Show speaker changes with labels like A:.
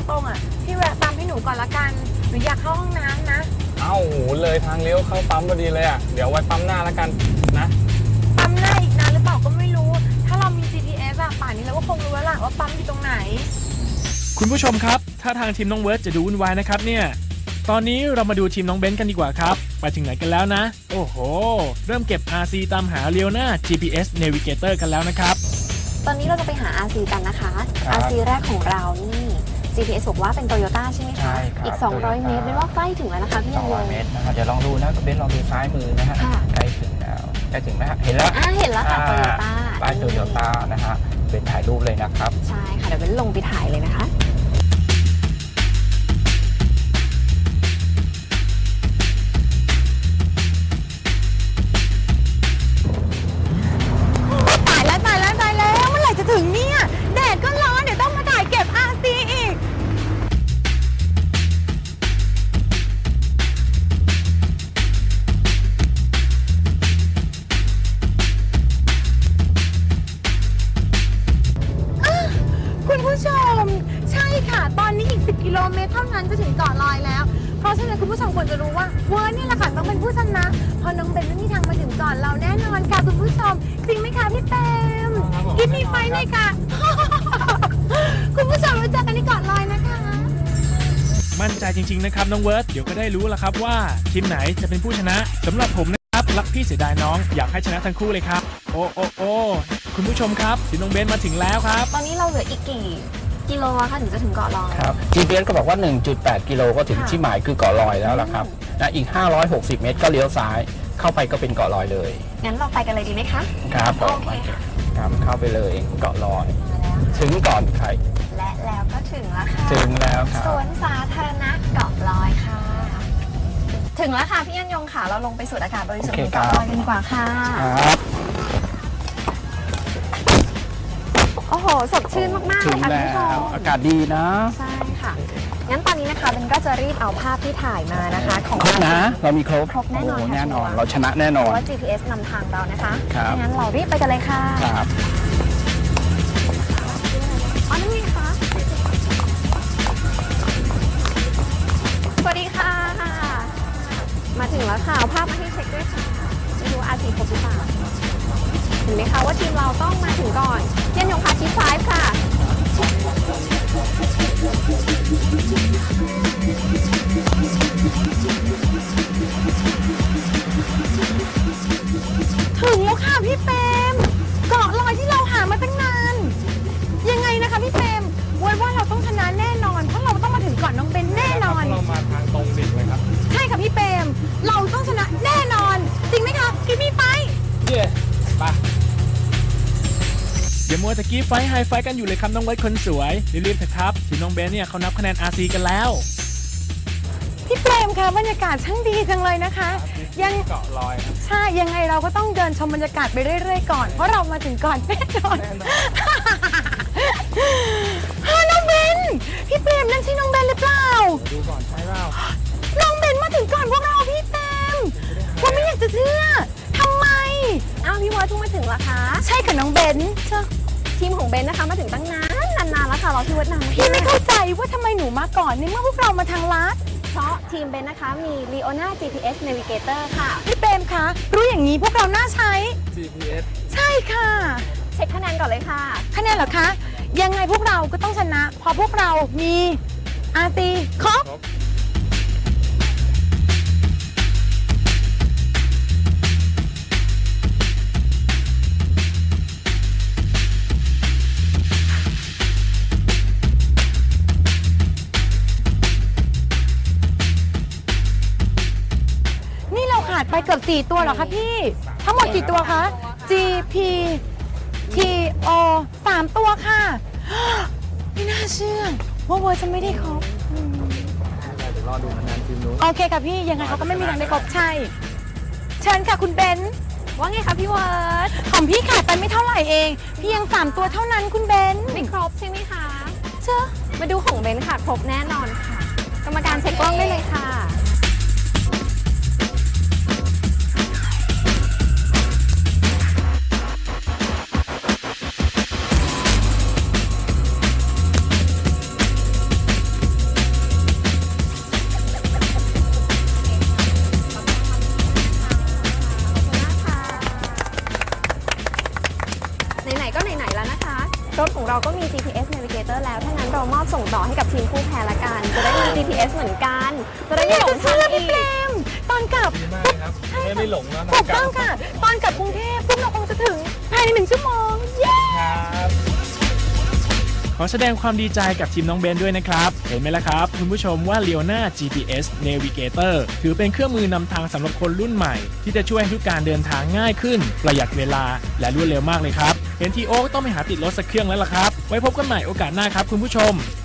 A: ตรงอ่ะพี่แวะปั๊มให้หนูก่อนละกันหนูอยากเข้าห้องน้ำนะ
B: เอ้าเลยทางเลี้ยวเข้าปั๊มพอดีเลยอ่ะเดี๋ยวไว้ปั๊มหน้าแล้วกันนะ
A: ปั๊มหน้าอีกนานหรือเปล่าก็ไม่รู้ถ้าเรามี GPS อะป่านนี้เราก็คงรู้แล้วล่ะว่าปั๊มอยู่ตรงไหน
C: คุณผู้ชมครับถ้าทางทีมน้องเวิร์ดจะดูวุ่นวายนะครับเนี่ยตอนนี้เรามาดูทีมน้องเบนซ์กันดีกว่าครับไปถึงไหนกันแล้วนะโอ้โหเริ่มเก็บ RC ตามหาเลียวหน้า GPS Navigator กันแล้วนะครับ
A: ตอนนี้เราจะไปหา RC กันนะคะ RC แรกของเรานี่ GPS บอกว่าเป็น Toyota ใช่ไหมคะ
D: ใช่ครับ
A: อีก200 เมตรเป็นว่าใกล้ถึงแล้วนะคะพี่
D: 200 เมตรนะครับเดี๋ยวลองดูนะเบนซ์ลองดูซ้ายมือนะฮะใกล้ถึงแล้วใกล้ถึงไหมฮะเห็นแล้ว
A: เห็นแล้วค่ะ Toyota
D: ป้าย Toyota นะฮะเป็นถ่ายรูปเลยนะครับ
A: ใช่ค่ะเดี๋ยวเบนลงไปถ่ายเลยนะคะตายแล้วเมื่อไหร่จะถึงเนี่ยแดดก็ร้อนเดี๋ยวต้องมาถ่ายเก็บ RC อีกคุณผู้ชมใช่ค่ะตอนนี้อีก10 กิโลเมตรเท่านั้นจะถึงเกาะลอยแล้วเพราะฉะนั้นคุณผู้ชมควรจะรู้ว่าเวอร์นี่แหละค่ะต้องเป็นผู้ชนะเพราะน้องเบนไม่มีทางมาถึงก่อนเราแน่นอนค่ะคุณผู้ชมจริงไหมคะพี่เต็มกินมีไฟเลยค่ะ คุณผู้ชมไว้เจอกันที่เกาะลอยนะคะ
C: มั่นใจจริงๆนะครับน้องเวิร์ดเดี๋ยวก็ได้รู้แล้วครับว่าทีมไหนจะเป็นผู้ชนะสำหรับผมนะครับรักพี่เสียดายน้องอยากให้ชนะทั้งคู่เลยครับโอ้คุณผู้ชมครับทีมน้องเบนซ์มาถึงแล้วครับ
A: ตอนนี้เราเหลืออีกกี่กิโลคะถึงจะถึงเกาะลอย
D: ครับ GPS ก็บอกว่า 1.8 กิโลก็ถึงที่หมายคือเกาะลอยแล้วล่ะครับและอีก560 เมตรก็เลี้ยวซ้ายเข้าไปก็เป็นเกาะลอยเลย
A: งั้นเราไปกันเลยดีไหมคะ
D: ครับผมครับเข้าไปเลยเกาะลอยถึงก่อนใคร
A: และแล้วก็ถึงแล้วค่ะ
D: ถึงแล้วครับ
A: สวนสาธารณะเกาะลอยค่ะถึงแล้วค่ะพี่ยันยงค่ะเราลงไปสูดอากาศบริสุทธิ์เกาะลอยกันดีกว่าค่ะ
D: ครับ
A: โอ้โหสดชื่นมากๆเลยค่ะคุณผู้ชม
D: อากาศดีนะ
A: ใช่ค่ะงั้นตอนนี้นะคะเบนก็จะรีบเอาภาพที่ถ่ายมานะคะของ
D: ครบนะเรามีครบ
A: แน่นอน
D: แน่นอนเราชนะแน่นอน
A: เพราะว่า GPS นำทางเรานะคะ
D: ครับ
A: งั้นเรารีบไปกันเลยค่ะ
D: ครับ
A: อ๋อนั่นไงคะสวัสดีค่ะมาถึงแล้วค่ะเอาภาพมาให้เช็คด้วยค่ะไม่รู้อาร์ซีครบหรือเปล่าเห็นไหมคะว่าทีมเราต้องมาถึงก่อนเย็นยงพาชิป5ค่ะถึงแล้วค่ะพี่เปรมเกาะลอยที่เราหามาตั้งนานยังไงนะคะพี่เปรมไว้ว่าเราต้องชนะแน่นอนเพราะเราต้องมาถึงก่อนน้องเบนแน่นอน
B: เรามาทางตรงดิเลยครับ
A: ใช่ค่ะพี่เปรมเราต้องชนะแน่นอนจริงไหมคะพี่มีไฟ
B: เย้ไป
C: อย่ามัวแต่กี้ไฟไฮไฟกันอยู่เลยครับน้องเวิร์ดคนสวยรีบๆเถอะครับทีมน้องเบนซ์เนี่ยเขานับคะแนน RC กันแล้ว
A: พี่เปรมคะบรรยากาศช่างดีจังเลยนะคะ
B: ยังเกาะลอยครับ
A: ใช่ยังไงเราก็ต้องเดินชมบรรยากาศไปเรื่อยๆก่อนเพราะเรามาถึงก่อนแน่นอนน้องเบนพี่เปรมนั่นใช่น้องเบนหรือเปล่า
B: ดูก่อนใช่เปล่า
A: น้องเบนมาถึงก่อนพวกเราพี่เปรมว่าไม่อยากจะเชื่อทำไมอ้าวพี่วอดเพิ่งมาถึงเหรอคะใช่ค่ะน้องเบนทีมของเบนนะคะมาถึงตั้งนานแล้วค่ะรอพี่วัดนานพี่ไม่เข้าใจว่าทำไมหนูมาก่อนในเมื่อพวกเรามาทางลัดเพราะทีมเบนนะคะมี Leona GPS Navigator ค่ะพี่เปรมคะรู้อย่างนี้พวกเราน่าใช้
B: GPS
A: ใช่ค่ะเช็คคะแนนก่อนเลยค่ะคะแนนเหรอคะยังไงพวกเราก็ต้องชนะเพราะพวกเรามี RC ครบขาดไปเกือบ4 ตัวเหรอคะพี่ทั้งหมดกี่ตัวคะ GP TO 3 ตัวค่ะไม่น่าเชื่อว่าเวอร์จะไม่ได้ครบ
B: เดี๋ยวรอดูคะแนนทีมนู้น
A: โอเคค่ะพี่ยังไงเขาก็ไม่มีทางได้ครบใช่เชิญค่ะคุณเบนว่าไงคะพี่เวิร์ดของพี่ขาดไปไม่เท่าไหร่เองเพียง3 ตัวเท่านั้นคุณเบนไม่ครบใช่ไหมคะเชื่อมาดูของเบนค่ะครบแน่นอนค่ะกรรมการเช็คกล้องได้เลยค่ะไหนๆก็ไหนๆแล้วนะคะ รถของเราก็มี GPS Navigator แล้วถ้างั้นเรามอบส่งต่อให้กับทีมคู่แพ้ละกัน จะได้มี GPS เหมือนกัน จะได้ไม่หลงทางอีกตอนกลับ
B: ดีมากเลยครับไม่หลงนะ
A: ถูกต้องค่ะ ตอนกลับกรุงเทพพวกเราคงจะถึงภายใน1 ชั่วโมง เย้
B: ครับ
C: ขอแสดงความดีใจกับทีมน้องเบนด้วยนะครับ เห็นไหมล่ะครับคุณผู้ชมว่า Leona GPS Navigator ถือเป็นเครื่องมือนำทางสำหรับคนรุ่นใหม่ ที่จะช่วยให้ทุกการเดินทางง่ายขึ้น ประหยัดเวลาและรวดเร็วมากเลยครับ เห็นทีโอ๊คต้องไปหาติดรถสักเครื่องแล้วล่ะครับ ไว้พบกันใหม่โอกาสหน้าครับคุณผู้ชม